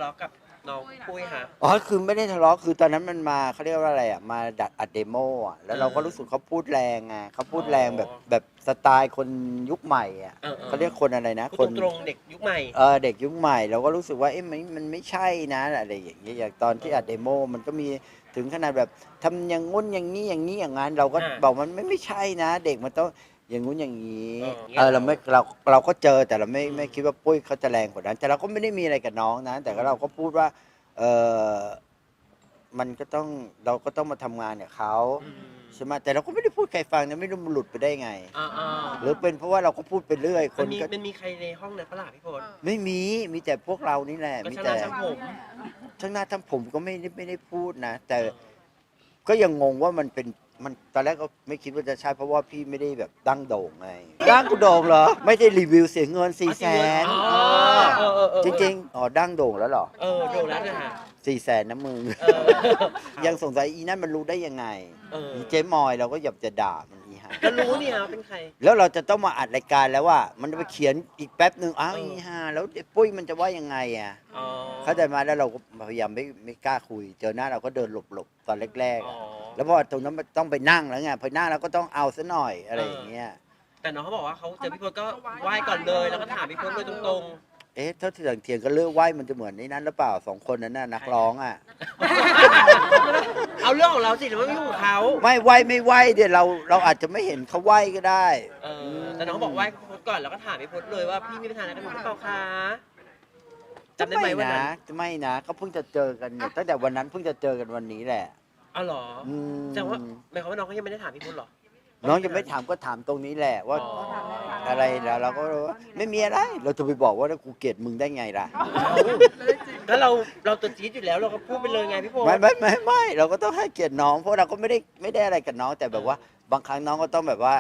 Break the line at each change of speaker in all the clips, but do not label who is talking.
เลาะกับน้องปุ้ยฮะ
อ๋อคือไม่ได้ทะเลาะคือตอนนั้นมันมาเขาเรียกว่าอะไรอ่ะมาดัดอัดเดโมอ่ะแล้วเราก็รู้สึกเขาพูดแรงไงเขาพูดแรงแบบสไตล์คนยุคใหม่อ่ะเขาเรียกคนอะไรนะ
พูดตรงๆเด็กยุคใหม่
เด็กยุคใหม่เราก็รู้สึกว่าเอ๊ะมันไม่ใช่นะอะไรอย่างเงี้ยอย่างตอนที่อัดเดโมมันก็มีถึงขนาดแบบทำอย่างงุ้นอย่างนี้อย่างนี้อย่างนั้นเราก็บอกมันไม่ใช่นะเด็กมันต้องอย่างงู้นอย่างนี้เราไม่เราก็เจอแต่เราไม่คิดว่าปุ้ยเขาจะแรงกว่านั้นแต่เราก็ไม่ได้มีอะไรกับน้องนะแต่ก็เราก็พูดว่าเออมันก็ต้องเราก็ต้องมาทำงานกับเขาใช่ไหมแต่เราก็ไม่ได้พูดใครฟังนะไม่รู้มันหลุดไปได้ไงหรือเป็นเพราะว่าเราก็พูดไปเรื่อยคนก็
มันมีใครในห้องนั้นปะล่ะพี่พล
ไม่มีแต่พวกเรานี่แหละ
ก็
มี
ช่างห
แต่
น้าช่างผม
ทั้งหน้าทั้งผมก็ไม่ได้พูดนะแต่ก็ยังงงว่ามันตอนแรกก็ไม่คิดว่าจะใช่เพราะว่าพี่ไม่ได้แบบดั้งโด่งไงดั้งกูโด่งเหรอไม่ได้รีวิวเสียเงิน400,000จริงๆอ๋อดั้งโด่งแล้วเหรอ
โด่งแล้วนะฮะ
400,000นะมึงยังสงสัยอีนั่นมันรู้ได้ยังไงอีเจ๊มอยเราก็อยากจะด่ามันอีห่า
ก็รู้เนี่ยเป็นใคร
แล้วเราจะต้องมาอัดรายการแล้วว่ามันจะไปเขียนอีกแป๊บหนึ่งอ้าวอีห่าแล้วปุ้ยมันจะว่ายังไงอ่ะเข้าใจมาแล้วเราก็พยายามไม่กล้าคุยเจอหน้าเราก็เดินหลบตอนแรกๆแล้วพอตรงนั้นมันต้องไปนั่งแล้วไงพอนั่งแล้วก็ต้องเอาซะหน่อยอะไรอย่างเงี้ย
แต่น้องเขาบอกว่าเขาเจอพี่พลก็ไหว้ก่อนเลยแล้วก็ถามพี่พลเลยตรง
เอ๊ะถ้าเถียงก็เลือกไหวมันจะเหมือนในนั้นหรือเปล่า2 คนนั้นน่ะนักร้องอ่ะ
ๆเอาเรื่องของเราสิหรือว่าไม่ของเขา
ไม่ไหวไม่ไหวเดี๋ยวเราอาจจะไม่เห็นเขาไหวก็ได้
แต่น้องบอกไหว้พี่พลก่อนแล้วก็ถามพี่พลเลยว่าพี่มีปัญหาอะไรกับหนูหรือเปล่าคะจำได้ไหมวันนั้น
ไม่นะเขาเพิ่งจะเจอกันเนี่ยตั้งแต่วันนั้นเพิ่งจะเจอกันวันนี้แหละ
อ๋อเหรอแสดงว่าหมายความว่าน้องเขายังไม่ได้ถามพี่พลหรอ
น้องยังไม่ถามก็ถามตรงนี้แหละว่าอะไรแล้วเราก็รู้ว่าไม่มีอะไรเราจะไปบอกว่ากูเกลียดมึงได้ไงล่ะ
แล้วเราตัวจี๊ดอยู่แล้วเราก็พูดไปเลยไงพี่พล
ไม่เราก็ต้องให้เกียรติน้องเพราะเราก็ไม่ได้อะไรกับน้องแต่แบบว่าบางครั้งน้องก็ต้องแบบว่า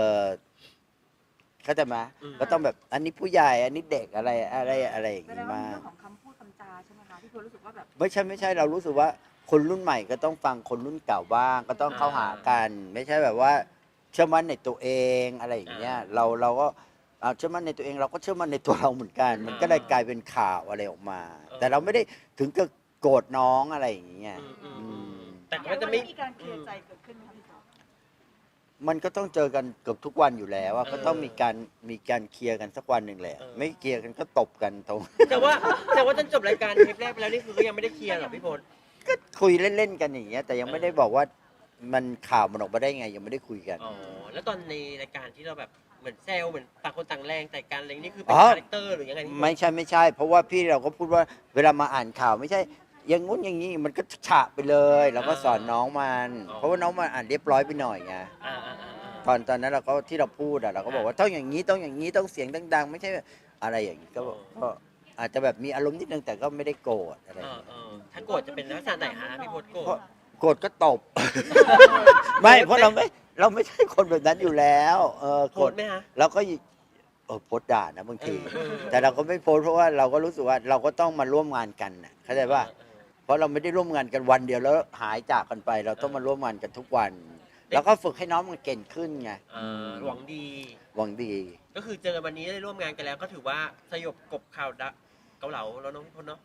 เข้าใจไหมก็ต้องแบบอันนี้ผู้ใหญ่อันนี้เด็กอะไรอย่างนี้มาก
เรื่องของคำพูดคำจาใช่ไหมคะที่คุณรู้สึกว่าแบบ
ไม่ใช่เรารู้สึกว่าคนรุ่นใหม่ก็ต้องฟังคนรุ่นเก่าบ้างก็ต้องเข้าหากันไม่ใช่แบบว่าเชื่อมั่นในตัวเองอะไรอย่างเงี้ยเราก็เชื่อมั่นในตัวเองเราก็เชื่อมั่นในตัวเราเหมือนกันมันก็เลยกลายเป็นข่าวอะไรออกมาแต่เราไม่ได้ถึงกับโกรธน้องอะไรอย่างเงี้ย
แต่ก็จะไม่
มีการเคลียร์ใจเกิดขึ้นไหมคะพี่
มันก็ต้องเจอกันเกือบทุกวันอยู่แล้วก็ต้องมีการเคลียร์กันสักวันหนึ่งแหละไม่เคลียร์กันก็ตบกันตรง
แต่ว่าจนจบรายการเทปแรกไปแล้วนี่คือก็ยังไม่ได้เคลียร์หรอพี่พล
ก็คุยเล่นๆกันอย่างเงี้ยแต่ยังไม่ได้บอกว่ามันข่าวมันออกมาได้ไงยังไม่ได้คุยกัน
แล้วตอนในรายการที่เราแบบเหมือนแซวเหมือนต่างคนต่างแรงแต่การอะไรนี่คือเป็นคาแรคเตอร์หรือยังไง
ไม่ใช่เพราะว่าพี่เราก็พูดว่าเวลามาอ่านข่าวไม่ใช่อย่างงู้นอย่างนี้มันก็ฉะไปเลยเราก็สอนน้องมันเพราะว่าน้องมันอ่านเรียบร้อยไปหน่อยไงตอนนั้นเราก็ที่เราพูดเราก็บอกว่าต้องอย่างนี้ต้องเสียงดังๆไม่ใช่อะไรอย่างนี้ก็อาจจะแบบมีอารมณ์นิดนึงแต่ก็ไม่ได้โกรธอะไร
ถ้าโกรธจะเป็นลักษณะไหนฮะพี่พลโกรธ
โกรธก็ตบไม่เพราะเราไม่ใช่คนแบบนั้นอยู่แล้ว
โกรธไหมฮะ
เราก็โพสต์ด่านะบางทีแต่เราก็ไม่โพสต์เพราะว่าเราก็รู้สึกว่าเราก็ต้องมาร่วมงานกันน่ะเข้าใจป่ะเพราะเราไม่ได้ร่วมงานกันวันเดียวแล้วหายจากกันไปเราต้องมาร่วมงานกันทุกวันแล้วก็ฝึกให้น้องมันเก่งขึ้นไง
หวังดีก็คือเจอวันนี้ได้ร่วมงานกันแล้วก็ถือว่าสยบกบข่าวเกาเหลาแล้วน้องพี่พลเนาะ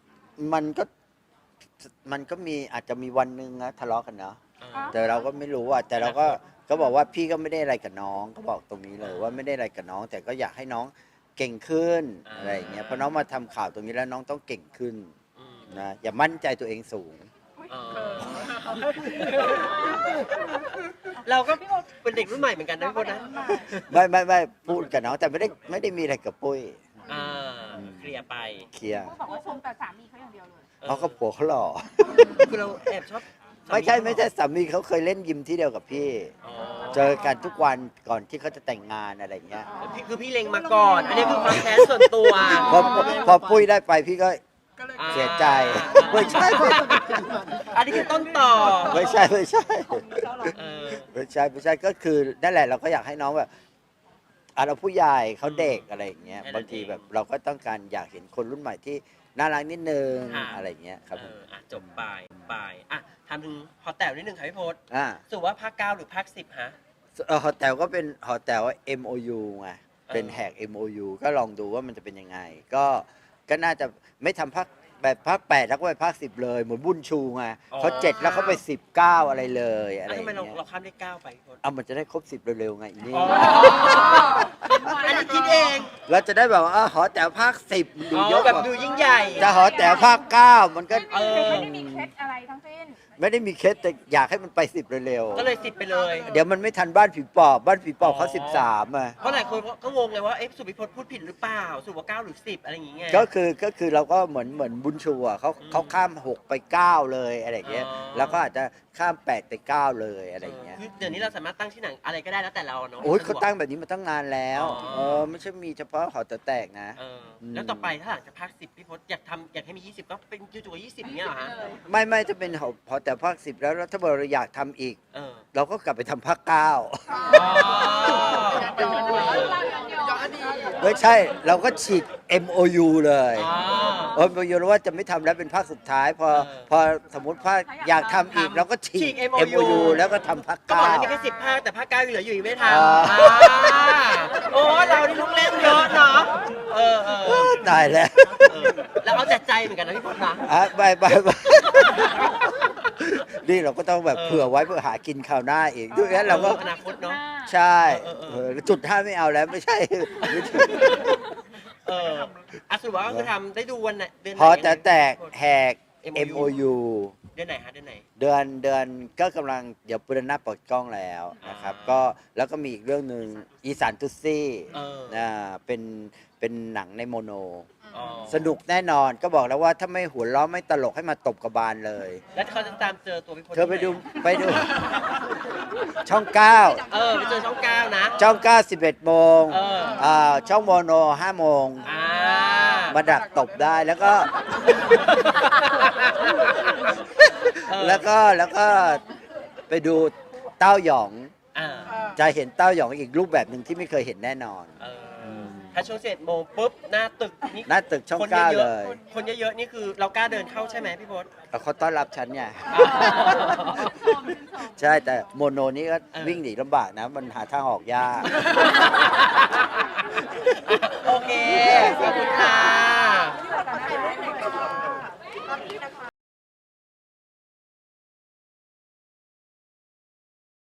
มันก็มีอาจจะมีวันหนึ่งนะทะเลาะกันเนาะแต่เราก็ไม่รู้อ่ะแต่เราก็บอกว่าพี่ก็ไม่ได้อะไรกับน้องก็บอกตรงนี้เลยว่าไม่ได้อะไรกับน้องแต่ก็อยากให้น้องเก่งขึ้นอะไรอย่างเงี้ยเพราะน้องมาทำข่าวตรงนี้แล้วน้องต้องเก่งขึ้นนะอย่ามั่นใจตัวเองสูง
เราก็เป็นเด็กรุ่นใหม่เหมือนกันนะพี่พลนะ
ไม่พูดกับน้องแต่ไม่ได้มีอะไรกับปุ้ย
เคลียร์ไป
เขาบอกว่าชมแต่สามีเขาอย่างเดียวเลย
เขาก็ผัวเขาหล่อ
คือเราแอบชอบ
ไม่ใช่สามีเขาเคยเล่นยิมที่เดียวกับพี่เจอกันทุกวันก่อนที่เขาจะแต่งงานอะไรเงี้ย
คือพี่เล็งมาก่อนอันนี้คือความแค้นส่วนตัว
พอปุ้ยได้ไปพี่ก็เสียใจไม่ใช่
อันนี้คือต้นต่อ
ไม่ใช่ก็คือนั่นแหละเราก็อยากให้น้องแบบเราผู้ใหญ่เขาเด็กอะไรอย่างเงี้ยบางทีแบบเราก็ต้องการอยากเห็นคนรุ่นใหม่ที่น่ารักนิดนึงอะไรเงี้ยครับ
จบไปทำถึงหอแต๋วนิดนึงค่ะพี่พศสุว่าภาค 9หรือภาค 10ฮะ
หอแต๋วก็เป็นหอแต๋ว MOU ไงเป็นแหก MOU ก็ลองดูว่ามันจะเป็นยังไงก็น่าจะไม่ทำภาคแบบภาค 8 แล้วก็ไปภาค 10 เลยเหมือนบุญชูไง
อ๋อ
เขา7แล้วเขาไป 19 อะไรเลยอะไร
แล้ว
อ
ทำไม
ย่าง
เรา
เงี้ย
ข้ามเลข9ไปพี่พศ
เอามันจะได้ครบ 10 เร็วๆไงอีนี่
อ๋ออันนี้คิดเอง
เราจะได้แบบว่าหอแต๋วภาค 10 ดู
อ๋
เย
อ
อะ
แบบ
กว่า
ดูยิ่งใหญ่
จะหอแต๋วภาค 9 มันก็
ไม่ได้มีเคล็ดอะไรทั้งสิ้น
ไม่ได้มีเคสแต่อยากให้มันไป 10 เร็ว
ก็เลย10ไปเลย
ๆเดี๋ยวมันไม่ทันบ้านผีปอบบ้านผีปอบเขา
อ๋อ
13อ่ะ
เพราะหลายคนก็งงเลยว่าเอ๊ะสุพิพจน์พูดผิดหรือเปล่าสุว่า9หรือ10อะไรอย่างเงี้ย
ก็คือเราก็เหมือนบุญชูอ่ะเขาข้าม 6 ไป 9 เลยอะไรอย่างเงี้ย
อ๋อ
แล้วก็อาจจะข้าม 8 ไป 9 เลยอะไรอย่างเงี้ย
คือเดี๋ยวนี้เราสามารถตั้งชื่อหนังอะไรก็ได้แล้วแต่เราเนาะ
โอ้ยเขาตั้งแบบนี้มาตั้งนานแล้ว
อ๋อ
ไม่ใช่มีเฉพาะหอแต๋วแตกนะ
แล้วต่อไปถ้าหลังจากภาค10พี่พศอยากให้มี20ก็เป็นจู่ๆ20เงี้ยเหรอฮะ
ไม่จะเป็นหอแต๋วภาค 10 แล้วถ้าเราอยากทำอีก
เออ
เราก็กลับไปทำภาค 9
อ๋อ
ไม่ใช่เราก็ฉีก MOU เลย
อ๋อ
MOU แล้วว่าจะไม่ทำแล้วเป็นภาคสุดท้าย พอ
เออ
พอสมมติภาคอยากทำอีกเราก็ฉี
ฉี
ก
ก MOU
แล้วก็ทำภาค
ก็บอกแล้วมี
9
แค่10ภาคแต่ภาค9ยังเหลืออยู่อีกไม่ทำ
อ๋ออ่
โอ้เรานี่ลูกเล่นเยอะเนาะเออ
ตายแล้ว
แล้วเอาแต่ใจเหมือนกันนะพี่พศนะ
ไปนี่เราก็ต้องแบบเผื่อไว้เพื่อหากินคราวหน้าอีกด้วยงั้นเราก็
อนาคตเนาะ
ใช่
เออ
จุด 5ไม่เอาแล้วไม่ใช่
อ่ะสรุปว่าก็คือทำได้ดูวันไหนเดือนไหน
พอแต่แตกแหก
MOU
MOU
เดือนไหนฮะเดือนไหน
เดือนก็กำลังเดี๋ยวปุรณะเปิดกล้องแล้วนะครับ ก็แล้วก็มีอีกเรื่องหนึ่งอีสานตุซี่ เป็นหนังในโมโน
อ๋อ
สนุกแน่นอนก็บอกแล้วว่าถ้าไม่หัวเราะไม่ตลกให้มาตบกระบาลเลย
แล้วเขาจะตามเจอตัวพี่พศ
เธอไปดู
ที่หน
ไปดู ช่อง 9
ไปเจอช่อง9นะ
ช่อง 9 11 โมง ช่องโมโน 5 โมง
อ่า
มาดักตบได้แล้วก็ แล้วก็ไปดูเต้าหยอง
อ่า
จะเห็นเต้าหยองอีกรูปแบบหนึ่งที่ไม่เคยเห็นแน่นอน
ถ้าช่วง11 โมงปุ๊บหน้าตึกนี่
หน้าตึกช่อง
คน
9
เย
เล
อะ
ย
ๆคนเยอะๆนี่คือเรากล้าเดินเข้าใช่ไหมพี่พศ
เขาต้อนรับฉันไงใช่แต่โมโนนี่ก็วิ่งหนีลำบากนะ มันหาทางออกยาก
โอเค